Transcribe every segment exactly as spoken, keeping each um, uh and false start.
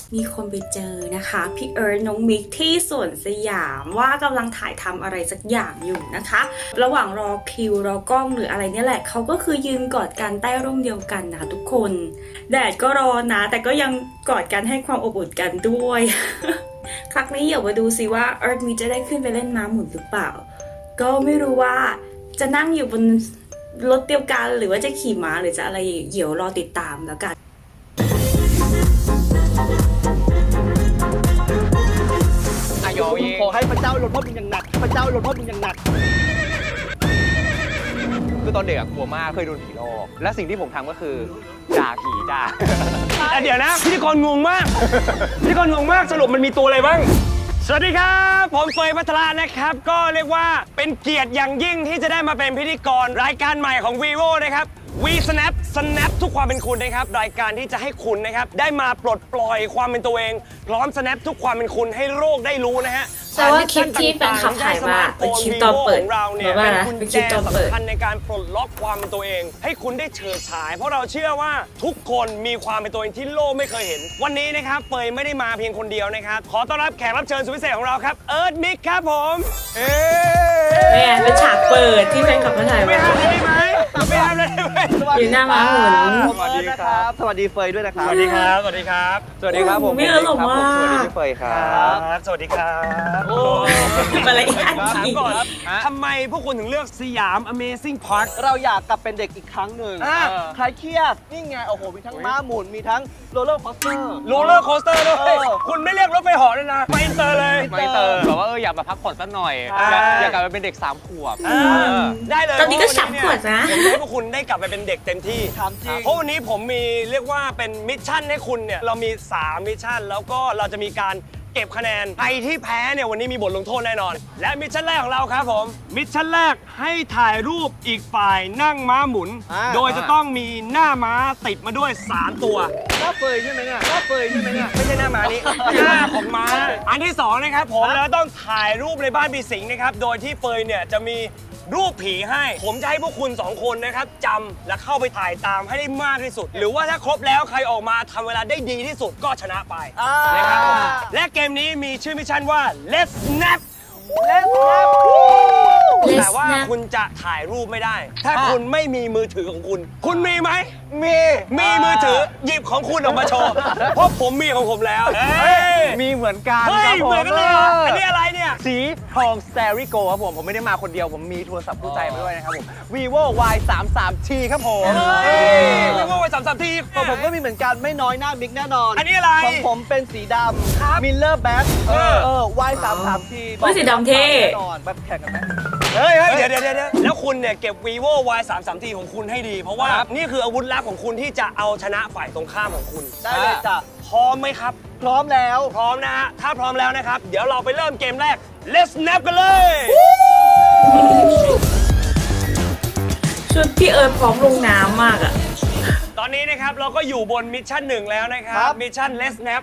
มีคนไปเจอนะคะพี่เอิร์ธน้องมิกที่สวนสยามว่ากำลังถ่ายทำอะไรสักอย่างอยู่นะคะ ระหว่างรอคิวรอกล้องหรืออะไรเนี่ยแหละเขาก็คือยืนกอดกันใต้ร่มเดียวกันนะทุกคนแดดก็ร้อนนะแต่ก็ยังกอดกันให้ความอบอุ่นกันด้วย ครั้งนี้เดี๋ยวมาดูสิว่าเอิร์ธมิกจะได้ขึ้นไปเล่นม้าหมุนหรือเปล่าก็ไม่รู้ว่าจะนั่งอยู่บนรถเดียวกันหรือว่าจะขี่ม้าหรือจะอะไรเดี๋ยวรอติดตามแล้วกันขอให้พระเจ้าลงโทษมึงอย่างหนักพระเจ้าลงโทษมึงอย่างหนักคือตอนเด็กอะกลัวมากเคยโดนผีหลอกและสิ่งที่ผมทำก็คือด่าผีจ้าเดี๋ยวนะพิธีกรงงมากพิธีกรงงมากสรุปมันมีตัวอะไรบ้างสวัสดีครับผมเฟยพัทรานะครับก็เรียกว่าเป็นเกียรติอย่างยิ่งที่จะได้มาเป็นพิธีกรรายการใหม่ของ vivo นะครับ We Snap Snap ทุกความเป็นคุณนะครับรายการที่จะให้คุณนะครับได้มาปลดปล่อยความเป็นตัวเองพร้อม snap ทุกความเป็นคุณให้โลกได้รู้นะฮะแต่ว่าคลิปที่แฟนคลับถ่ายมาเป็นคลิปตอนเปิดเราเนี่ยว่าเป็นนะกุญเป็นคแจลิปตอนเปิดสำคัญในการปลดล็อกความเป็นตัวเอง ให้คุณได้เฉิดฉาย เพราะเราเชื่อว่าทุกคนมีความเป็นตัวเองที่โลกไม่เคยเห็น วันนี้นะครับเฟยไม่ได้มาเพียงคนเดียวนะครับขอต้อนรับแขกรับเชิญสุดพิเศษของเราครับเอิร์ธมิกครับผมเอ๊ะไม่เป็นฉากเปิดที่แฟนคลับมาถ่ายไม่มาห้ามเลยได้ไหมไม่ห้ามเลยได้ไหมอยู่หน้าม้าหมุนสวัสดีครับสวัสดีเฟยด้วยนะครับสวัสดีครับ สวัสดีครับสวัสดีครับผมไม่เออหรอกว่าสวัสดีพี่เฟยครับสวัสดีครับโอ้อะไรอันถามนี้ก่อนทำไมพวกคุณถึงเลือกสยาม Amazing Park เราอยากกลับเป็นเด็กอีกครั้งหนึ่งอ่าใครเครียดนี่ไงโอ้โหมีทั้งม้าหมุนมีทั้งโรลเลอร์คอสเตอร์โรลเลอร์โคสเตอร์ด้วยเออคุณไม่เรียกรถไฟเหาะเลยนะไปอินเตอร์เลยไม่เติมแบบว่าเอออยากมาพักผ่อนสักหน่อยอ่าอยากกลับไปเป็นเด็กสามขวบอ่าได้เลยตอนนี้ก็ฉับขวดนะผมจะให้พวกคุณได้กลับไปเป็นเด็กเต็มที่ถามจริงเพราะวันนี้ผมมีเรียกว่าเป็นมิชชั่นให้คุณเนี่ยเรามีสามมิชชั่นแล้วก็เราจะมีการเก็บคะแนนใครที่แพ้เนี่ยวันนี้มีบทลงโทษแน่นอน และมิชชั่นแรกของเราครับผมมิชชั่นแรกให้ถ่ายรูปอีกฝ่ายนั่งม้าหมุนอ่าโดยจะต้องมีหน้าม้าติดมาด้วยสามตัวหน้าเฟยใช่ไหมเนี่ยหน้าเฟยใช่ไหมเนี่ยไม่ใช่หน้าม้านี้ หน้าของม้า อันที่สองนะครับผมแล้วต้องถ่ายรูปในบ้านปีสิงห์นะครับ โดยที่เฟยเนี่ยจะมีรูปผีให้ ผมจะให้พวกคุณสองคนนะครับจำและเข้าไปถ่ายตามให้ได้มากที่สุด หรือว่าถ้าครบแล้วใครออกมาทำเวลาได้ดีที่สุดก็ชนะไปอ่านะครับผมและเกมนี้มีชื่อมิชชั่นว่า Let's Snap เล่นครับ Let's แต่ว่า Snap คุณจะถ่ายรูปไม่ได้ ถ้าคุณไม่มีมือถือของคุณ คุณมีไหมมีมีมือถือหยิบของคุณออกมาโชว์ เพราะผมมีของผมแล้วเฮ้ยมีเหมือนกันเฮ้ครัยบผมเหมือนกันเลยเหรออันนี้อะไรเนี่ยสีทองสเตริโกครับผมผมไม่ได้มาคนเดียวผมมีโทรศัพท์คู่ใจมาด้วยนะครับผม vivo y สามสาม t ครับผมเฮ้ยเรียกว่าไปสามสามทีของผมก็มีเหมือนกันไม่น้อยหน้ามิกแน่นอนอันนี้อะไรของผมเป็นสีดครับำมิลเลอร์แบ็คเออเออ y สามสามทีเฮ้ยสีดำเท่แน่นอนแบบแข่งกันไหมเฮ้ยเฮ้ยเดี๋ยวเดี๋ยวเดี๋ยวแล้วคุณเนี่ยเก็บ vivo y สามสามทีของคุณให้ดี เพราะว่านี่คืออาวุธลับของคุณที่จะเอาชนะฝ่ายตรงข้ามของคุณได้เลยจ้ะพร้อมไหมครับพร้อมแล้วพร้อมนะฮะ ถ้าพร้อมแล้วนะครับ เดี๋ยวเราไปเริ่มเกมแรก Let's Snap กันเลยชุดพี่เอิร์ธพร้อมลงน้ำมากอ่ะตอนนี้นะครับเราก็อยู่บนมิชชั่นหนึ่งแล้วนะครัครับ บมิชชั่น Let's Snap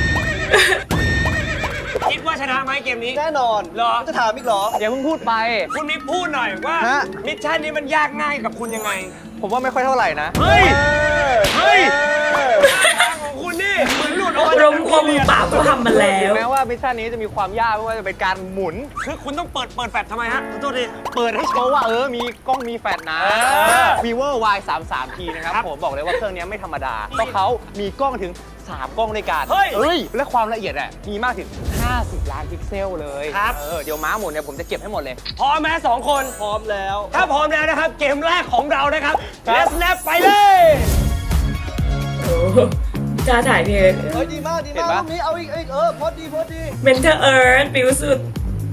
คิดว่าชนะไหมเกมนี้แน่นอนเหรอจะถามอีกเหรออย่าเพิ่งพูดไปคุณนิกพูดหน่อยว่าฮะมิชชั่นนี้มันยากง่ายกับคุณยังไงผมว่าไม่ค่อยเท่าไหร่นะเฮ้ยเฮ้เฮ้ยยทางของคุณนี่เหมือนหลุดออกมาลมคมมือเปล่าก็ทำมาแล้วแม้ว่ามิชชั่นนี้จะมีความยากไม่ว่าจะเป็นการหมุนคือคุณต้องเปิดเปิดแฟลชทำไมฮะขอโทษทีเปิดให้โชว์ว่าเออ มีกล้องมีแฟลชนะเออ vivo y สามสาม t นะครับครับผมบอกเลยว่าเครื่องนี้ไม่ธรรมดา เพราะเขามีกล้องถึง สาม กล้องในการเฮ้ยเอ้ย และความละเอียดอ่ะ มีมากถึง ห้าสิบ ล้านพิกเซลเลยครับเออ เดี๋ยวม้าหมุนเนี่ยผมจะเก็บให้หมดเลยพร้อมไหมสองคนพร้อมแล้วถ้าพร้อมแล้วนะครับ เกมแรกของเรานะครับครับ Let's Snap ไปเลยโอ้โหจ้าถ่ายพี่เอิร์ธเฮ้ย ดีมาก ดีมากรูปนี้เอาอีกเอาอีกเออโพอดีโพอดีเมนเทอร์เอิร์ธปิวสุด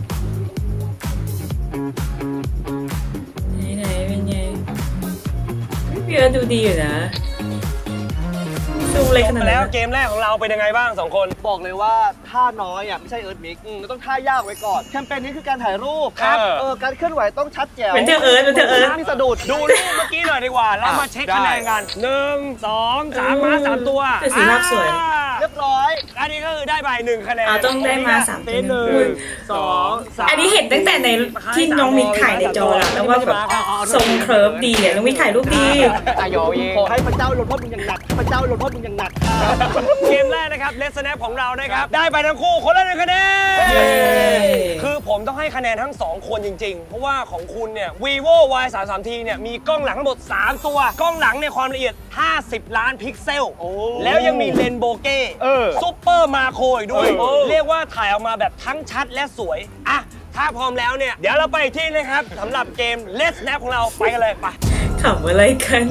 ไหนๆเป็นไงพี่เอิร์ธดูดีอยู่นะซูมเลยขนาดแล้นั้วน เกมแรกของเราเป็นยังไงบ้างสองคนบอกเลยว่าท่าน้อยอ่ะไม่ใช่เอิร์ธมิกอืมเราต้องท่ายากไว้ก่อน แคมเปญนี้คือการถ่ายรูปครับเออ การเคลื่อนไหวต้องชัดแจ๋วเมนเทอร์เอิร์ธเมนเทอร์เอิร์ธไม่มีสะดุดดูรูปเมื่อกี้หน่อยดีกว่า เรามาเช็คคะแนนกันหนึ่งสองสามม้าสามตัวแต่สีภาพสวยอ่าเรียบร้อยร้อยอันนี้ก็คือได้ไปหนึ่งคะแนนอ่าต้องได้มาสามเป็นหนึ่งสองสามอันนี้เห็นตั้งแต่ในที่น้องมิกถ่ายในจอแล้วแล้วว่าแบบทรงเคิร์ฟดีอ่ะน้องมิกถ่ายรูปดีอายอเองขอให้พระเจ้าลงโทษมึงอย่างหนักพระเจ้าลงโทษมึงอย่างหนักเกมแรกนะครับเลสแนปของเรานะครับได้ไปทั้งคู่คนละหนึ่งคะแนนเย้คือผมต้องให้คะแนนทั้งสองคนจริงๆ เพราะว่าของคุณเนี่ย vivo วาย สามสิบสาม ที เนี่ยมีกล้องหลังทั้งหมดสามตัวกล้องหลังในยความละเอียดห้าสิบล้านพิกเซลโอ้แล้วยังมีเลนส์โบเก้เออซุปเปอร์มาโครอีกด้วยเออเรียกว่าถ่ายออกมาแบบทั้งชัดและสวยอ่ะถ้าพร้อมแล้วเนี่ย เดี๋ยวเราไปอีกที่นะครับสำหรับเกม Let's Snap ของเราไปกันเลยไปขำอะไรกัน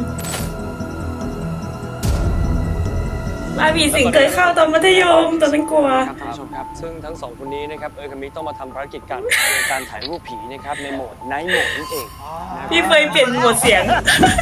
บาบีสิงเคยเข้าตอนมัธยมตอนนั้นกลัวครับท่านผู้ชมครับ ซึ่งทั้งสองคนนี้นะครับเอิร์ธกับมิกต้องมาทำภารกิจกันในการถ่ายรูปผีนะครับในโหมดไนท์โหมดนั่นเองพี่เฟยเปลี่ยนโหมดเสียง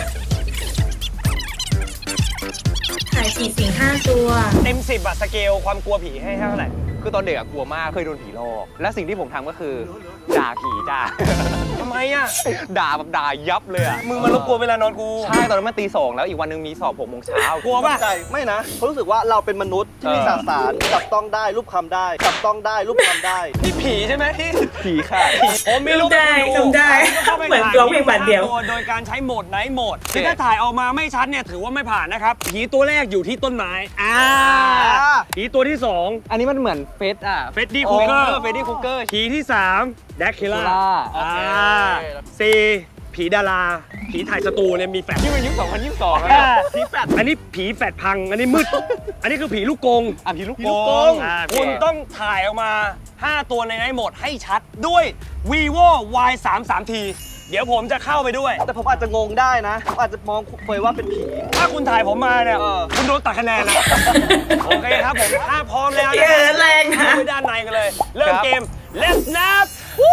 ถ่ายผีสิงห้าตัวเต็มสิบอะสเกลความกลัวผีให้เท่าไหร่คือตอนเด็กอะกลัวมากเคยโดนผีหลอกและสิ่งที่ผมทำก็คือด่าผีจ้าทำไมอะด่าแบบด่ายับเลยอะมึงมารบกวนเวลานอนกูใช่ตอนนั้นมันตีสองแล้วอีกวันหนึงมีสอบหกโมงเช้ากลัวป่ะใจไม่นะเขารู้สึกว่าเราเป็นมนุษย์ที่มีเออสสารจับต้องได้รูปคำได้จับต้องได้รูปคำได้นี่ผีใช่ไหมที่ผีค่ะผมมีรูปได้ให้ทำได้ข้าไปเหมือนร้องเพลงบาทเดียวโดยการใช้โหมดไนท์โหมดคือถ้าถ่ายออกมาไม่ชัดเนี่ยถือว่าไม่ผ่านนะครับผีตัวแรกอยู่ที่ต้นไม้อ่าผีตัวที่สองอันนี้มันเหมือนเฟสอะเฟดดี้คูเกอร์เฟดดี้คุกเกอร์ผีที่สามแดกคิล่าโอเคสี่ผีดาราผีถ่ายสตูเนี่ยมีแฟลชนี่มันยุคสองพันยี่สิบสองแล้วอ่าผีแฟลชอันนี้ผีแฟลชพังอันนี้มืด อันนี้คือผีลูกกงอ่ะผีลูกผีโป่ลูกกงงคุณต้องถ่ายออกมา ห้า ตัวในไนท์โหมดให้ชัดด้วย vivo วาย สามสิบสาม ที เดี๋ยวผมจะเข้าไปด้วยแต่ผมอาจจะงงได้นะผมอาจจะมองเฟยว่าเป็นผีถ้าคุณถ่ายผมมาเนี่ยเออคุณโดนตัดคะแนนนะ โอเคครับผม ถ้าพร้อมแล้วเออแรงนะเข้าไปด้านในกันเลย เริ่มเกม Let's Snap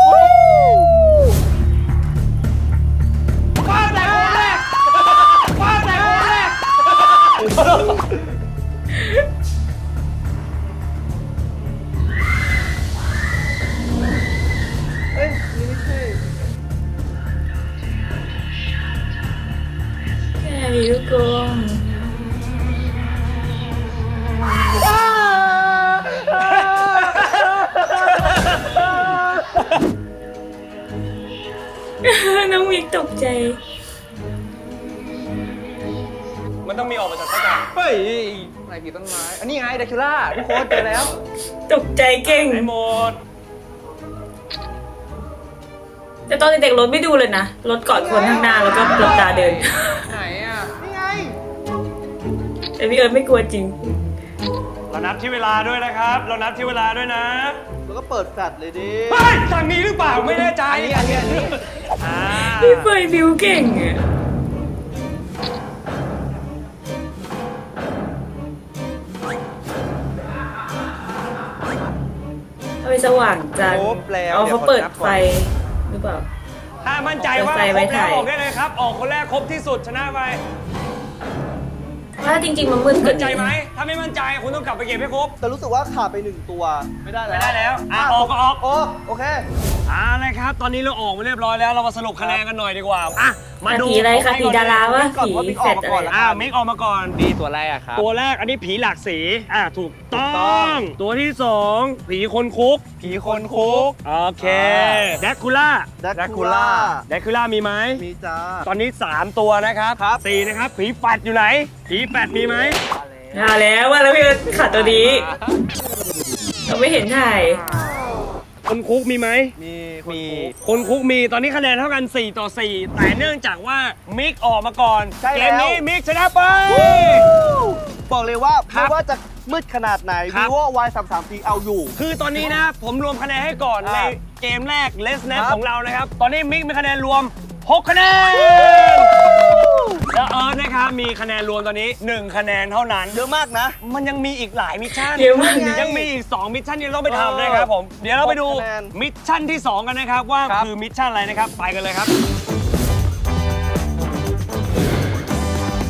ว้าวแต่คนแรกว้าวแต่คนแรกเอ้ยนี่ไม่ใช่แค่มีลูกกงน้องมิกตกใจมันต้องมีออกมาจากสักการเฮ้ยไหนผีต้นไม้ อันนี้ไงเดคิล่าทุกคนเจอแล้วตกใจเก่งไอ้หมดแต่ตอนเด็กๆรถไม่ดูเลยนะ รถกอดคนข้างหน้าแล้วก็หลับตาเดินไหนอ่ะนี่ไงแต่พี่เอิร์ธไม่กลัวจริงเรานับที่เวลาด้วยนะครับ เรานับที่เวลาด้วยนะแล้วก็เปิดแฟลชเลยดิเฮ้ยทางนี้หรือเปล่าไม่แน่ใจอันนี้อันนี้อันนี้อ่าพี่เฟยบิวเก่งอะทำไมสว่างจังครบแล้วอ๋อเขาเดี๋ยวเปิดขอนับก่อนไฟหรือเปล่าถ้ามั่นใจว่าเปิดไฟครไว้บแล้วถ่ายออกได้เลยครับ ออกคนแรกครบที่สุดชนะไปว่าจริงๆมันมืดกมั่ว่านใจนี้ไหม ถ้าไม่มั่นใจคุณต้องกลับไปเก็บให้ครบแต่รู้สึกว่าขาดไปหนึ่งตัวไม่ได้แล้วไม่ได้แล้วอ่ะออกก็ออกโอ้โอเคอ่านะครับ ตอนนี้เราออกมาเรียบร้อยแล้ว เรามาสรุปคะแนนกันหน่อยดีกว่า อ่ะ มาดูผีอะไรคะผีดาราวะก่อนผีว่าบิ๊กแฟอดอกมาก่อนอะไรละอ่ามิกออกมาก่อนนี่ตัวแรกครับตัวแรกอันนี้ผีหลากสี อ่ะถูกต้ถูกต้ออง งตัวที่สองผีคนคุกผีคนคุกโอเคแดกคูล่าแดกคูล่าแดกคูล่ามีไหมมีจ้าตอนนี้ สาม ตัวนะครับครับสี่นะครับ ผีแฟดอยู่ไหน ผีแฟดมีไหมมาแล้วว่าแล้วพี่เอิร์ธขาดตัวนี้ เราไม่เห็นถ่ายคนคุกมีไหมมีคนมีคุกคนคุกมีตอนนี้คะแนนเท่ากัน สี่ ต่อ สี่ แต่เนื่องจากว่ามิกออกมาก่อนใช่เกแล้วมนี้มิกชนะไปบอกเลยว่าครับไม่ว่าจะมืดขนาดไหนครับ vivo วาย สามสิบสาม ที เอาอยู่คือตอนนี้นะผมรวมคะแนนให้ก่อนอ่าในเกมแรก Let's Snap ครับของเรานะครับ ตอนนี้มิกมีคะแนนรวม หก คะแนน แล้วเอิร์ธนะครับมีคะแนนรวมตอนนี้ หนึ่ง คะแนนเท่านั้นเยอะมากนะมันยังมีอีกหลายมิชชั่นเยอะมากยังมีอีก สอง มิชชั่นที่เราต้องไปทำนะครับผม เดี๋ยวเราไปดูหกคะแนนมิชชั่นที่ สอง กันนะครับ ว่าครับคือมิชชั่นอะไรนะครับ ไปกันเลยครับ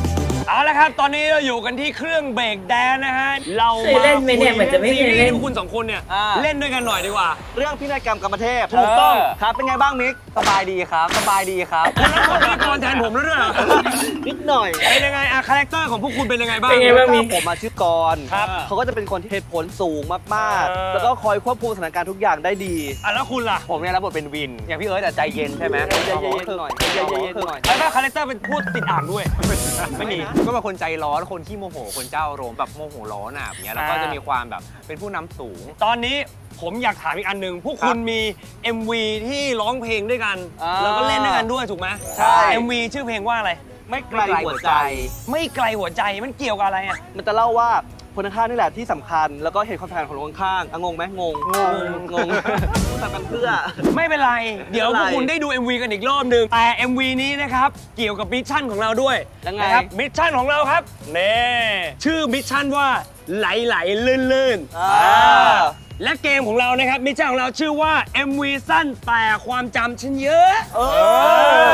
เอาละครับตอนนี้เราอยู่กันที่เครื่องเบรกแดนนะฮะเราเคยเล่นไหมเนี่ยเหมือนจะไม่เคยเล่นพวกคุณสองคนเนี่ยอ่าเล่นด้วยกันหน่อยดีกว่าเรื่องพินัยกรรมกรรมเทพถูกต้องเครับเป็นไงบ้างมิกสบายดีครับ สบายดีครับแล้วกดพิธีกรแทนผมแล้วด้วยเหรอนิดหน่อยเป็นยังไงอะคาแรคเตอร์ของพวกคุณเป็นยังไงบ้างเป็นไงบ้างมิกผมมาชื่อกรครับเขาก็จะเป็นคนที่เหตุผลสูงมากเออๆ แล้วก็คอยควบคุมสถานการณ์ทุกอย่างได้ดีอ่ะแล้วคุณล่ะผมเนี่ยรับบทเป็นวิน อย่างพี่เอิร์ธแต่ใจเย็นใช่ไหมใจเย็นๆหน่อยใจเย็นๆหน่อยแล้วก็คาแรคเตอร์เป็นพูดติดอ่างด้วยไม่มี ก็เป็นคนใจร้อน คนขี้โมโห คนเจ้าอารมณ์แบบโมโหร้อนอ่ะอย่างเงี้ย แล้วก็อ่าจะมีความแบบเป็นผู้นำสูงตอนนี้ผมอยากถามอีกอันหนึ่งพวกคุณมี เอ็ม วี ที่ร้องเพลงด้วยกันอ่าแล้วก็เล่นด้วยกันด้วยถูกไหมใช่เอ็ม วี ชื่อเพลงว่าอะไรไม่ไกลหัวใจไม่ไกลหัวใจมันเกี่ยวกับอะไรอ่ะมันจะเล่าว่าคนข้างๆนี่แหละที่สำคัญ แล้วก็เห็นความสำคัญของคนข้างๆอ่ะงงไหมงง งง งงทำกันเพื่อไม่เป็นไร เดี๋ยวไม่พเป็นไรวกคุณได้ดู เอ็ม วี กันอีกรอบหนึ่งแต่ เอ็ม วี นี้นะครับ เกี่ยวกับมิชชั่นของเราด้วยยังไงนะครับมิชชั่นของเราครับเน่ชื่อมิชชั่นว่าไหลไหลลื่นลื่นอ่าและเกมของเรานะครับมิชชั่นของเราชื่อว่า เอ็ม วี สั้นแต่ความจำฉันเยอะเออ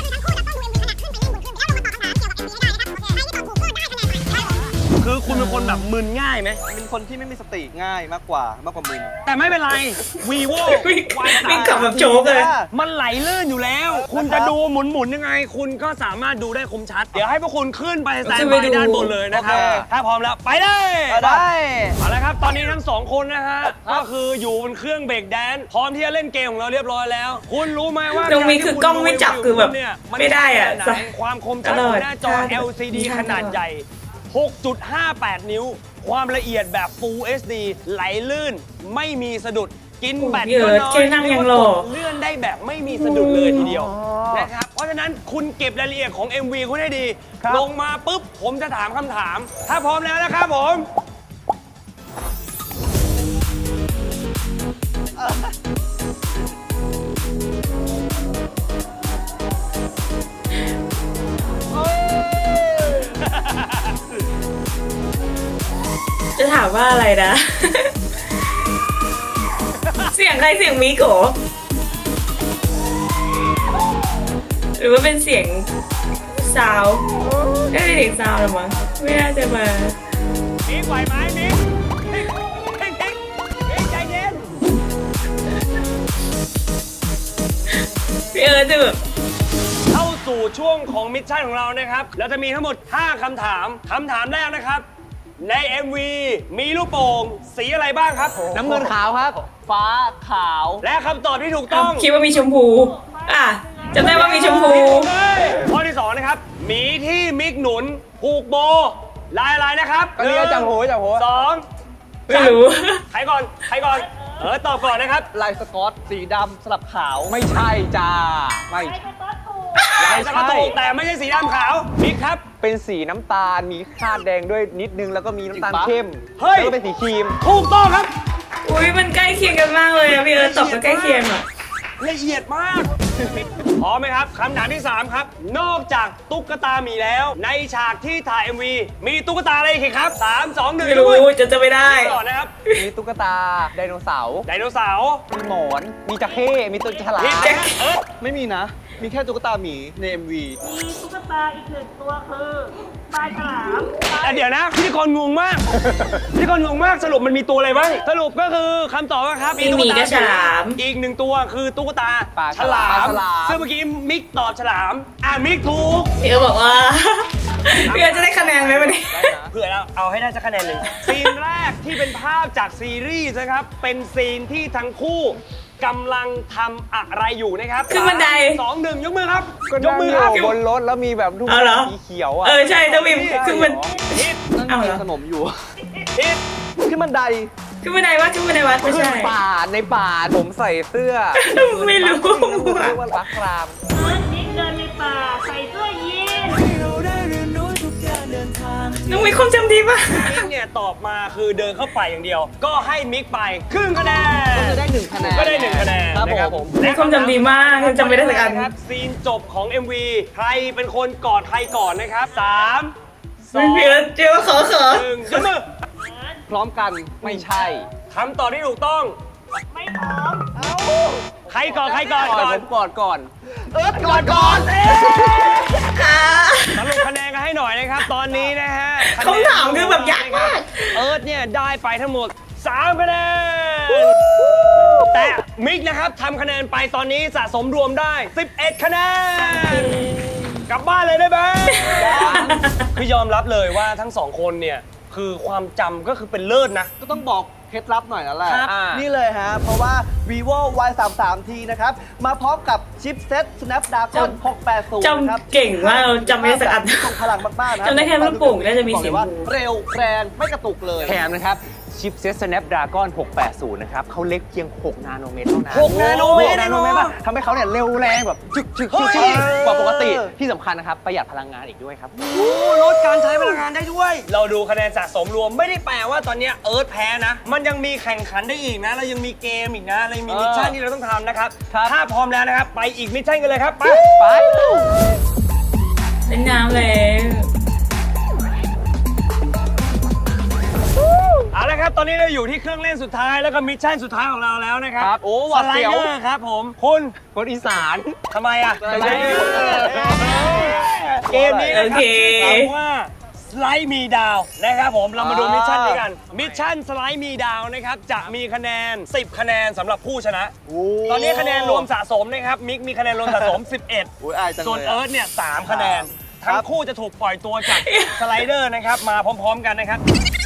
คือคุณเป็นคนแบบมึนง่ายไหมเป็นคนที่ไม่มีสติง่ายมากกว่ามากกว่ามึนแต่ไม่เป็นไร vivo วิ่งวิ่งกลับแบบโจ๊กเลยมันไหลลื่นอยู่แล้ว คุณจะดูหมุนๆยังไง คุณก็สามารถดูได้คมชัด เดี๋ยวให้พวกคุณขึ้นไปสแตนขึ้นบาไปยดูด้านบนเลยนะครับโอเคถ้าพร้อมแล้วไปเลยได้เอาละครับ ตอนนี้ทั้งสองคนนะฮะ ก็คืออยู่บนเครื่องเบรกแดนซ์พร้อมที่จะเล่นเกมของเราเรียบร้อยแล้ว คุณรู้ไหมว่าตรงนี้คือกล้องไม่จับคือแบบเนี่ยนไม่ได้อะแค่ไหนความคมชัดของหน้าจอตลอดแอล ซี ดี ขนาดใหญ่ หกจุดห้าแปด นิ้ว ความละเอียดแบบ Full เอช ดี ไหลลื่น ไม่มีสะดุด กินแบตโอ้โหก็พี่เอิร์ธน้อยแค่นั่งยังหล่อเลื่อนได้แบบไม่มีสะดุดเลยทีเดียวนะครับ เพราะฉะนั้นคุณเก็บรายละเอียดของ เอ็ม วี คุณให้ดีครับลงมาปุ๊บ ผมจะถามคำถาม ถ้าพร้อมแล้วนะครับผมจะถามว่าอะไรนะ เสียงใครเสียงมิโกะหรือว่าเป็นเสียงซาวด์น่าจะเสียงซาวด์หรือมั้งไม่น่าจะมามิกไหวไหมมิกมิกมิกมิกมิกใจเย็นพี่เอิร์ธจะแบบเข้าสู่ช่วงของมิชชั่นของเรานะครับ เราจะมีทั้งหมด ห้า คำถาม คำถามแรกนะครับ ใน เอ็ม วี มีลูกโป่งสีอะไรบ้างครับน้ำเงินขาวครับ ฟ้าขาวและคำตอบที่ถูกต้องคิดว่ามีชมพู อ่ะจำได้ว่ามีชมพูข้อที่สองนะครับหมีที่มิกหนุนผูกโบ ลายอะไรนะครับก็เรียกจังโหจังโหสองไม่รู้ใครก่อน ใครก่อน เออ ตอบก่อนนะครับลายสกอตสีดำสลับขาวไม่ใช่จ้า ไม่ลายสกอตถูกแต่ไม่ใช่สีดำขาวมิกครับเป็นสีน้ำตาล มีคาดแดงด้วยนิดนึง แล้วก็มีน้ำตาลจริงปะเข้มเฮ้ยแล้วก็เป็นสีครีมถูกต้องครับอุ้ยมันใกล้เคียงกันมากเลยอะพี่เอิร์ธตอบก็ใกล้เคียงอ่ะละเอียดมาก พร้อมไหมครับคำถามที่ สาม ครับ นอกจากตุ๊กตาหมีแล้ว ในฉากที่ถ่าย เอ็ม วี มีตุ๊กตาอะไรอีกครับสาม สอง หนึ่งไม่รู้จะจะไม่ได้ก่อนนะครับมีตุ๊กตา ไดโนเสาร์ไดโนเสาร์มีหมอน มีจระเข้ มีตัวฉลาผิดมนะฮะเออไม่มีนะ มีแค่ตุ๊กตาหมีใน เอ็ม วีมีตุ๊กตาอีกหนึ่งตัวคือปลาฉลามแต่เดี๋ยวนะพิธีกรงงมากพิธีกรงงมากสรุปมันมีตัวอะไรบ้างสรุปก็คือคำตอบนะครับมีหมีกับฉลามอีกหนึ่งตัวคือตุ๊กตาปลาฉลาปลมฉลามซึ่งเมื่อกี้มิกตอบฉลาม อ่ามิกถูกพี่เอิร์ธบอกว่า พี่เอิร์ธจะได้คะแนนไหมวันนี้เผื่อเราเอาให้ได้สักคะแนนหนึ่งซีนแรกที่เป็นภาพจากซีรีส์นะครับ เป็นซีนที่ทั้งคู่กำลังทำอะไรอยู่นะครับขึ้นบันไดสองหนึ่งยกมือครับก็ยนั่กงมืออครับยู่บนรถแล้วมีแบบลูกเอาเหรอสีเขียวอ่ะเออใช่ต้องมีคือมันผิดนั่งเอาเหรกิอนขนมอยู่ผิดขึ้นบันไดขึ้นบันไดวัดขึ้นบันไดวัดไม่ขึ้นใช่ป่าในป่าผมใส่เสื้อไม่รู้เรียกว่ารักรามเอิร์ธมิกเดินในป่าใส่เสื้อยีนส์น้องมีความจำดีมากมิกเนี่ยตอบมาคือเดินเข้าไปอย่างเดียว ก็ให้มิกไปครึ่งคะแนนก็จะได้หนึ่งคะแนนก็ได้หนึ่งคะแนนครับนะผมมีความจำดีมากจำไม่ได้สักอันครับซีนจบของ เอ็ม วี ใครเป็นคนกอดใครก่อนนะครับสามสองพี่เอิร์ธเจอว่าขอขอหนึ่งยกมือพร้อมกันไม่ใช่คำตอบที่ถูกต้องไม่พร้อมครก่อนใครก่อนก่อนก่อผนมกอดก่อนเอิร์ธก่อนก่อนสรุปคะแนนกันให้หน่อยนะครับ ตอนนี้นะฮะคำถามคือแบบยากมากเอิร์ธเนี่ยได้ไปทั้งหมดสามคะแนนแต่มิกนะครับทำคะแนนไปตอนนี้สะสมรวมได้สิบเอ็ดคะแนนกลับบ้านเลยได้ไหมคือยอมรับเลยว่าทั้งสองคนเนี่ยคือความจำก็คือเป็นเลิศนะก็ต้องบอกเคล็ดลับหน่อยแล้วแหละครับนี่เลยฮะ เพราะว่า vivo วาย สามสิบสาม ที นะครับ มาพร้อมกับชิปเซ็ต snapdragon หกแปดศูนย์จนะครับำเก่งมากเราจำไม่ได้สักอันทรงพลังมากๆนะจำได้แค่ลูกโป่งน่าจะมีบอกเสีเลย ยว่างเร็วแรงไม่กระตุกเลยแถมนะครับชิปเซ็ต Snapdragon หกแปดศูนย์นะครับเขาเล็กเพียง หก นาโนเมตรเท่านั้นหกนาโนเมตรหกนาโนเมตรป่ะทำให้เขาเนี่ยเร็วแรงแบบจึกจึกจึกจึกกว่าปกติที่สำคัญนะครับประหยัดพลังงานอีกด้วยครับลดการใช้พลังงานได้ด้วย เราดูคะแนนสะสมรวมไม่ได้แปลว่าตอนเนี้ยเอิร์ธแพ้นะ มันยังมีแข่งขันได้อีกนะ เรายังมีเกมอีกนะเรายังมีเออมิชชั่นที่เราต้องทำนะครับครับถ้าพร้อมแล้วนะครับ ไปอีกมิชชั่นกันเลยครับ ไปไปเล่นน้ำเลยเอาละครับ ตอนนี้เราอยู่ที่เครื่องเล่นสุดท้ายแล้วก็มิชชั่นสุดท้ายของเราแล้วนะครับครับโอ้หวาดสไลเสียวเดอร์ครับผม คุณคนอีสานทำไมอ่ะสไลเดอร์เกมนี้นะโอครัเคถามว่าสไลด์มีดาวนะครับผมเรามาดูมิชชั่นนี้กันมิชชั่นสไลด์มีดาวนะครับจะมีคะแนนสิบคะแนนสำหรับผู้ชนะ ตอนนี้คะแนนรวมสะสมนะครับมิกมีคะแนนรวมสะสม สิบเอ็ดอุ๊ยอายจังเลยส่วนเอิร์ธเนี่ยสามคะแนนครับทั้งคู่จะถูกปล่อยตัวจากสไลเดอร์นะครับมาพร้อม ๆ กันนะครับ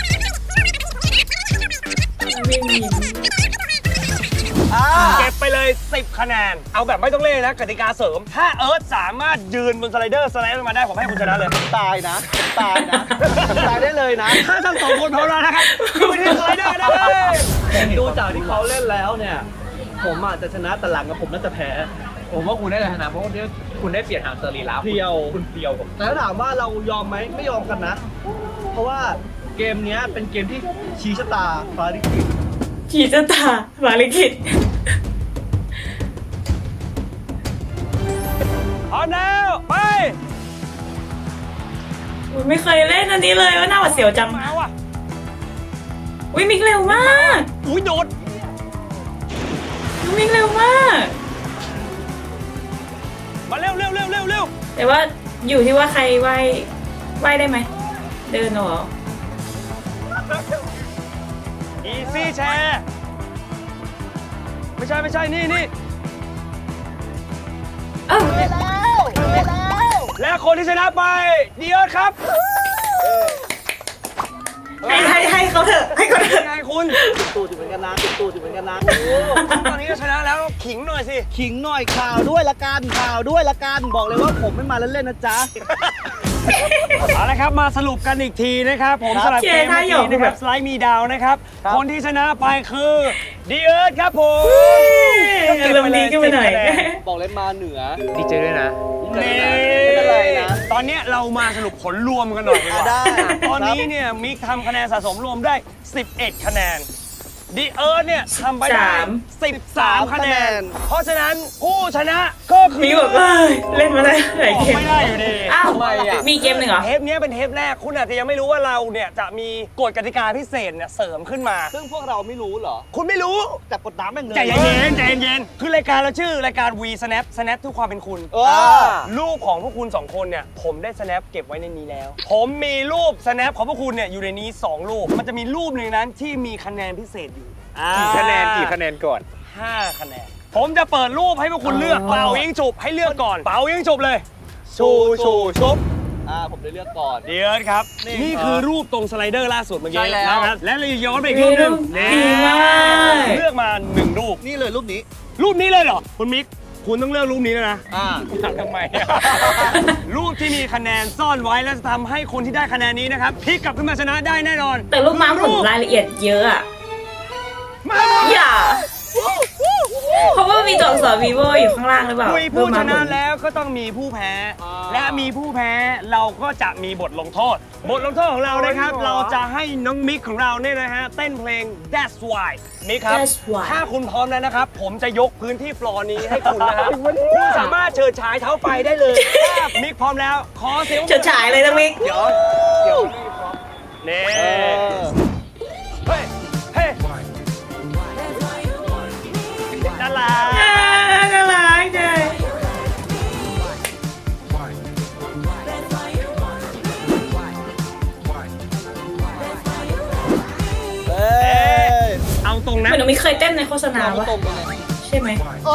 วิ่งหนีอ่าเก็บไปเลยสิบคะแนน เอาแบบไม่ต้องเล่นนะกติกาเสริม ถ้าเอิร์ธสามารถยืนบนสไลเดอร์สไลด์ลงมาได้ผมให้คุณชนะเลยตายนะ ตายนะ ตายได้เลยนะถ้าทั้งสองคนพร้อมแล้วนะครับขึ้นไปที่สไลเดอร์ได้เลยดูจากที่เขาเล่นแล้วเนี่ย ผมอาจจะชนะแต่หลังกับผมน่าจะแพ้ผมว่าคุณได้ชนะเพราะว่าคุณได้เปลี่ยนทางเซอร์ลีแล้วเพรียวคุณเปรียวผมแต่ถ้าถามว่าเรายอมไหมไม่ยอมกันนะ เพราะว่าเกมเนี้ยเป็นเกมที่ชี้ชะตาฟ้าลิขิตขี่จะตาบาลิกิตพร้อมแล้วไปอุ๊ยไม่เคยเล่นอันนี้เลยว่าน่าหวาดเสียวจังมาว่ะอุ้ยมิกเร็วมากอุ้ยโดดมิกเร็วมากมาเร็วเร็วเร็วเร็วเร็วแต่ว่าอยู่ที่ว่าใครว่ายว่ายได้ไหม เดินเหรออีซี่แชร์ไม่ใช่ไม่ใช่นี่นี่เอ้าและคนที่ชนะไปดีเอิร์ธครับให้ให้ให้เขาเถอะ ให้เขาเถเป็อะนไงคุณตูดอยู่เหมือนกันนะตูดอยู่เหมือนกันนะตอนนี้ก็ชนะแล้วขิงหน่อยสิขิงหน่อยข่าวด้วยละกันข่าวด้วยละกันบอกเลยว่าผมไม่มาเล่นๆนะจ๊ะเอาละครับมาสรุปกันอีกทีนะครับ ผมครับสลับเกมเชียร์ท่าเมื่อหยกกี้นะครับสไลด์มีดาวนะครับครับคนที่ชนะไปคือดีเอิร์ธครับผมอารมณ์ดีขึ้นไปหน่อยบอกเลยมาเหนือดีใจด้วยนะนี่ไม่เป็นไรนะตอนเนี้ยเรามาสรุปผลรวมกันหน่อยดีกว่าได้ตอนนี้เนี่ยมิกทำคะแนนสะสมรวมได้ สิบเอ็ด คะแนนดีเอิร์ธเนี่ยทำไปได้ สิบสาม คะแนน เพราะฉะนั้นผู้ชนะก็คือมิกแบบเอ้ยเล่นมาได้หลายบอกเกมไม่ได้อยู่ดีอ้าวทำไมอ่ะมีเกมหนึ่งเหรอเทปเนี้ยเป็นเทปแรกคุณอาจจะยังไม่รู้ว่าเราเนี่ยจะมีกฎกติกาพิเศษเนี่ยเสริมขึ้นมาซึ่งพวกเราไม่รู้เหรอคุณไม่รู้จับกดน้ำแม่งเลยใจเย็นๆใจเย็นๆคือรายการเราชื่อรายการ V Snap Snap ทุกความเป็นคุณเออรูปของพวกคุณสองคนเนี่ยผมได้ snap เก็บไว้ในนี้แล้ว ผมมีรูป snap ของพวกคุณเนี่ยอยู่ในนี้สองรูป มันจะมีรูปหนึ่งนั้นที่มีคะแนนพิเศษอยู่กี่คะแนนกี่คะแนนก่อนห้าคะแนน ผมจะเปิดรูปให้พวกคุณเลือกอ๋อเป่ายิงฉุบให้เลือกก่อน เป่ายิงฉุบเลย ชูชูชุบอ่าผมได้เลือกก่อนเดี๋ยวครับนี่นี่คือรูปตรงสไลเดอร์ล่าสุดเมื่อกี้ใช่แล้วนะครับและเราย้อนไปอีกรูปหนึงดีมากเลือกมาหนึ่งรูปนี่เลยรูปนี้รูปนี้เลยเหรอ คุณมิก คุณต้องเลือกรูปนี้แล้วนะอ่าทำไมอะ รูปที่มีคะแนนซ่อนไว้และจะทำให้คนที่ได้คะแนนนี้นะครับพลิกกลับขึ้นมาชนะได้แน่นอนแต่ลูกม้าผมรายละเอียดเยอะอะมาอย่า เพราะว่ามีตัวอักษร vivo อยู่ข้างล่างหรือเปล่าคุยผู้ลูกชม้านะผมแล้วก็ต้องมีผู้แพ้อ่าและมีผู้แพ้เราก็จะมีบทลงโทษ บทลงโทษของเรานะครับโอ้ยเหรอเราจะให้น้องมิกของเราเนี่ยนะฮะเต้นเพลง That's Why มิกครับ That's Why ถ้าคุณพร้อมแล้วนะครับ ผมจะยกพื้นที่ฟลอร์นี้ให้คุณนะฮะคุณสามารถเชิดฉายเท้าไฟได้เลยถ้ามิกพร้อมแล้ว ขอเสียงเฉิดฉายเลยนะมิกเดี๋ยวเดี๋ยวไม่พร้อมนี่เออเฮ้ย เฮ้ยน่ารักรงๆเหนะมือนน้องมิกเคยเต้นในโฆษณาปะใช่ไหม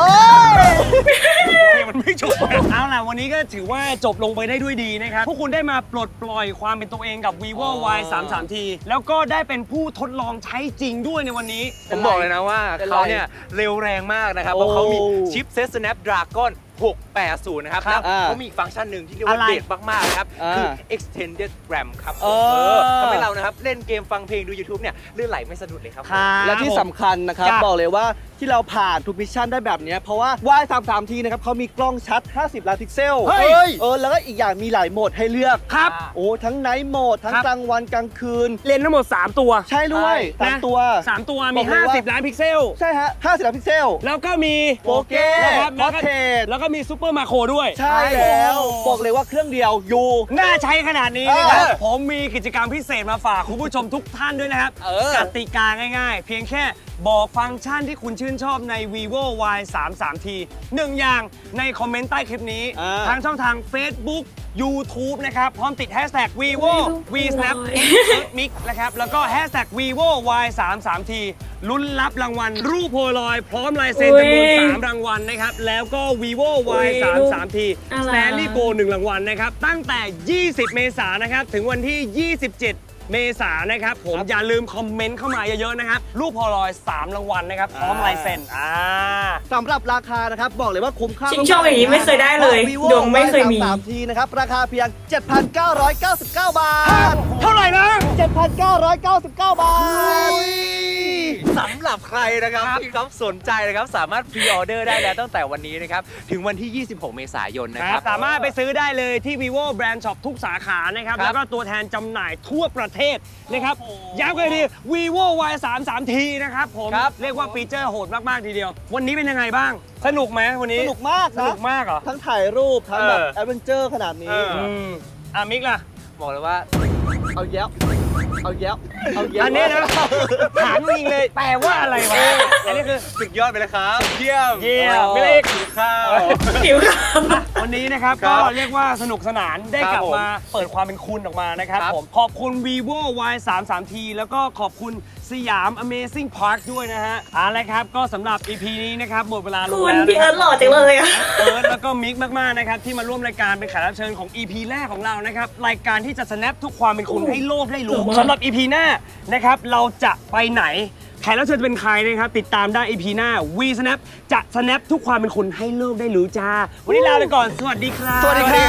มันไม่จบเอาล่ะวันนี้ก็ถือว่าจบลงไปได้ด้วยดีนะครับพวกคุณได้มาปลดปล่อยความเป็นตัวเองกับ vivo วาย สามสิบสาม ที แล้วก็ได้เป็นผู้ทดลองใช้จริงด้วยในวันนี้ผมบอกเลยนะว่าเป็นไรเขาเนี่ยเร็วแรงมากนะครับ เพราะเขามีชิปเซต Snapdragon หกแปดศูนย์นะครับครับแล้วเขามีอีกฟังก์ชันหนึ่งที่เรียกว่าอะไรเด็ดมากๆนะครับอ่าคือ extended RAM ครับเออเออทำให้เรานะครับเล่นเกมฟังเพลงดู YouTube เนี่ยลื่นไหลไม่สะดุดเลยครับและที่สำคัญนะครับจ้ะบอกเลยว่าที่เราผ่านทุกมิชชั่นได้แบบเนี้ยเพราะว่า วาย สามสิบสาม ที นะครับเขามีกล้องชัด ห้าสิบ ล้านพิกเซลเฮ้ยเออแล้วก็อีกอย่างมีหลายโหมดให้เลือกครับโอ้ทั้งไนท์โหมด ทั้งครับกลางวันกลางคืนเลนส์ทั้งหมด สาม ตัวใช่ด้วยสามนะตัวสามตัวบมีอกเลยว่าห้าสิบ ล้านพิกเซลใช่ฮะ ห้าสิบ ล้านพิกเซลแล้วก็มีโปเก้นะครับแล้วก็ Portrait แล้วก็มีซูเปอร์มาโครด้วยใช่แล้วโอ้บอกเลยว่าเครื่องเดียวอยู่น่าใช้ขนาดนี้นะครับเออผมมีกิจกรรมพิเศษมาฝากคุณผู้ชมทุกท่านด้วยนะครับเออกติกาง่ายๆ เพียงแค่บอกฟังก์ชันที่คุณชื่นชอบใน vivo วาย สามสิบสาม ที หนึ่งอย่างในคอมเมนต์ใต้คลิปนี้อ่าทางช่องทาง Facebook YouTube นะครับ พร้อมติด hashtag vivo v snap mix นะครับ แล้วก็ hashtag vivo วาย สามสิบสาม ที ลุ้นรับรางวัลรูปโพลารอยด์พร้อมลายเซ็นจำนวน สาม รางวัลนะครับ แล้วก็ vivo วาย สามสิบสาม ทีอะไร Stanley Go หนึ่งรางวัลนะครับ ตั้งแต่ ยี่สิบ เมษายนนะครับ ถึงวันที่ ยี่สิบเจ็ด เมษายนนะครับ ผมอย่าลืมคอมเมนต์เข้ามาเยอะๆนะครับ รูปโพลารอยด์สามรางวัลนะครับ พร้อมลายเซ็นอ่าสำหรับราคานะครับ บอกเลยว่าคุ้มค่าชิงโชคอย่างนี้ไม่เคยได้เลย Vivo ดวงไม่เคยมีวาย สามสิบสาม ที นะครับ ราคาเพียง เจ็ดพันเก้าร้อยเก้าสิบเก้า บาทเท่าไหร่นะเจ็ดพันเก้าร้อยเก้าสิบเก้า บาทสำหรับใครนะครับที่เขาสนใจนะครับสามารถพรีออเดอร์ได้แล้วตั้งแต่วันนี้นะครับถึงวันที่ ยี่สิบหก เมษายนนะคครัรับบ สามารถไปซื้อได้เลยที่ vivo brand shop ทุกสาขานะครับครับแล้วก็ตัวแทนจำหน่ายทั่วประเทศนะครับย้ำกันอีกที vivo วาย สามสิบสาม ที นะครับผมครับเรียกว่าฟีเจอร์โหดมาก ๆ ทีเดียว วันนี้เป็นยังไงบ้าง สนุกไหมวันนี้สนุกมากสนะนุกมากเหรอทั้งถ่ายรูป ทั้งแบบเออแอดเวนเจอร์ขนาดนี้อืมอ่ะมิกล่ะบอกเลยว่าเอาแย้วเอาแย้วเอาแย้วอันนี้นะถามจริงเลยแปลว่าอะไรวะ อันนี้คือสุดยอดไปเลยครับ เยี่ยมเยี่ยมไม่เล็กหิวข้าวผิวขาววันนี้นะครับครัก็บเรียกว่าสนุกสนานได้ครับกลับผมมาเปิดความเป็นคุณออกมานะครับครับผมขอบคุณ vivo วาย สามสิบสาม ที แล้วก็ขอบคุณสยาม Amazing Park ด้วยนะฮะเอาละครับก็สำหรับ อี พี นี้นะครับหมดเวลาลงคุณแล้วพี่นะเอิร์ธหล่อจังเลยอะเอิร์ธแล้วก็มิกมากๆนะครับที่มาร่วมรายการเป็นแขกรับเชิญของ อี พี แรกของเรานะครับรายการที่จะ snap ทุกความเป็นคุณให้โลกได้รู้สำหรับ อี พี หน้านะครับเราจะไปไหนแขกรับเชิญจะเป็นใครนะครับติดตามได้ อี พี หน้า V Snap จะ snap ทุกความเป็นคุณให้โลกได้รู้จ้าวันนี้ลาไปก่อนสวัสดีครับสวัสดีครับ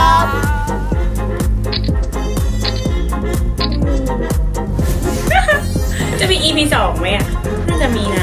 จะมี อี พี สองไหมอ่ะ น่าจะมีนะ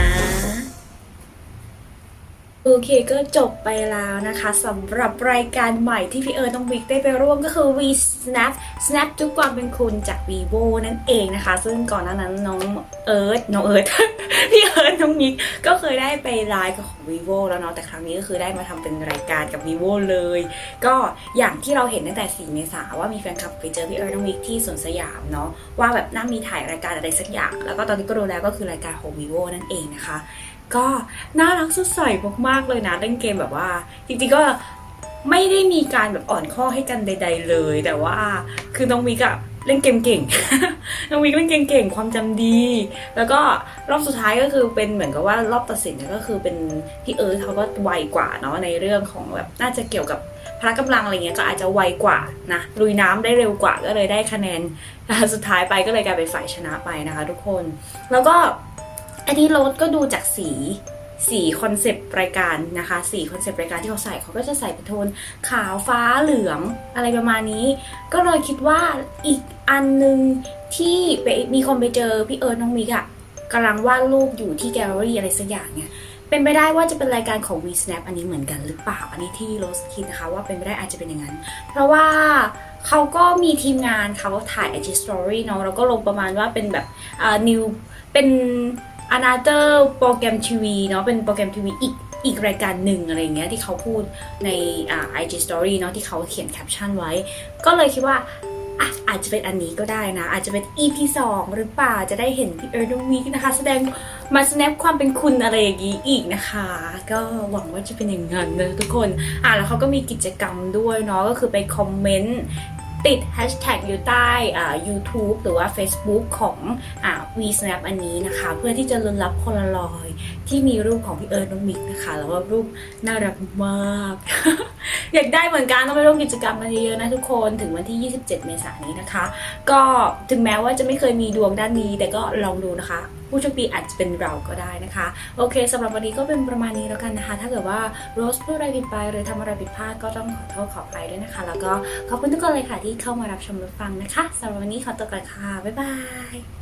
โอเคก็จบไปแล้วนะคะสำหรับรายการใหม่ที่พี่เอิร์ธน้องมิกได้ไปร่วมก็คือ V Snap Snap ทุกความเป็นคุณจาก vivo นั่นเองนะคะ ซึ่งก่อนหน้านั้นน้องเอิร์ธน้องเอิร์ธ พี่เอิร์ธน้องมิกก็เคยได้ไปไลฟ์กับของ vivo แล้วเนาะแต่ครั้งนี้ก็คือได้มาทำเป็นรายการกับ vivo เลย ก็อย่างที่เราเห็นตั้งแต่สี่เมษาว่ามีแฟนคลับไปเจอพี่เอิร์ธน้องมิกที่สวนสยามเนาะว่าแบบน่ามีถ่ายรายการอะไรสักอย่างแล้วก็ตอนนี้ก็รู้แล้วก็คือรายการของ vivo นั่นเองนะคะก็น่ารักสดใสมากๆเลยนะเล่นเกมแบบว่าจริงๆก็ไม่ได้มีการแบบอ่อนข้อให้กันใดๆเลยแต่ว่าคือน้องมิกอะเล่นเกมเก่ง น้องมิกเล่นเกมเก่งความจำดี แล้วก็รอบสุดท้ายก็คือเป็นเหมือนกับว่ารอบตัดสินก็คือเป็นพี่เอิร์ธเขาก็ไวกว่าเนาะในเรื่องของแบบน่าจะเกี่ยวกับพละกำลังอะไรเงี้ยก็อาจจะไวกว่านะลุยน้ำได้เร็วกว่าก็เลยได้คะแนนสุดท้ายไปก็เลยกลายเป็นฝ่ายชนะไปนะคะทุกคนแล้วก็อันนี้โรสก็ดูจากสีสีคอนเซปต์รายการนะคะสีคอนเซปต์รายการที่เขาใส่เขาก็จะใส่เป็นโทนขาวฟ้าเหลืองอะไรประมาณนี้ก็เลยคิดว่าอีกอันนึงที่ไปมีคนไปเจอพี่เอิร์ธน้องมิกอะกำลังวาดรูปอยู่ที่แกลเลอรี่อะไรสักอย่างเนี่ยเป็นไปได้ว่าจะเป็นรายการของ V Snap อันนี้เหมือนกันหรือเปล่าอันนี้ที่โรสคิดนะคะว่าเป็นไปได้อาจจะเป็นอย่างนั้นเพราะว่าเขาก็มีทีมงานเขาถ่าย ไอ จี Story เนาะแล้วก็ลงประมาณว่าเป็นแบบอ่า new เป็นanother โปรแกรมทีวีเนาะเป็นโปรแกรมทีวีอีกอีกรายการหนึ่งอะไรเงี้ยที่เขาพูดในอ่า ไอ จี Story เนาะที่เขาเขียนแคปชั่นไว้ก็เลยคิดว่าอ่ะอาจจะเป็นอันนี้ก็ได้นะอาจจะเป็น อี พี สองหรือเปล่าจะได้เห็นพี่เอิร์ธน้องมิกนะคะแสดงมา snap ความเป็นคุณอะไรอย่างนี้อีกนะคะก็หวังว่าจะเป็นอย่างนั้นนะทุกคนอ่ะแล้วเขาก็มีกิจกรรมด้วยเนาะก็คือไปคอมเมนต์ติด hashtag อยู่ใต้อ่า YouTube หรือว่า Facebook ของอ่า V-Snap อันนี้นะคะ เพื่อที่จะลุ้นรับโพลารอยด์ที่มีรูปของพี่เอิร์ธน้องมิกนะคะแล้วก็รูปน่ารักมาก อยากได้เหมือนกันต้องไปร่วมกิจกรรมกันเยอะๆนะทุกคนถึงวันที่ยี่สิบเจ็ดเมษายนนี้นะคะ ก็ถึงแม้ว่าจะไม่เคยมีดวงด้านนี้แต่ก็ลองดูนะคะผู้โชคดีอาจจะเป็นเราก็ได้นะคะโอเคสำหรับวันนี้ก็เป็นประมาณนี้แล้วกันนะคะ ถ้าเกิดว่าโรสพูดอะไรผิดไปหรือทำอะไรผิดพลาดก็ต้องขอโทษขออภัยด้วยนะคะ แล้วก็ขอบคุณทุกคนเลยค่ะที่เข้ามารับชมรับฟังนะคะสำหรับวันนี้ขอตัวก่อนค่ะบ๊ายบาย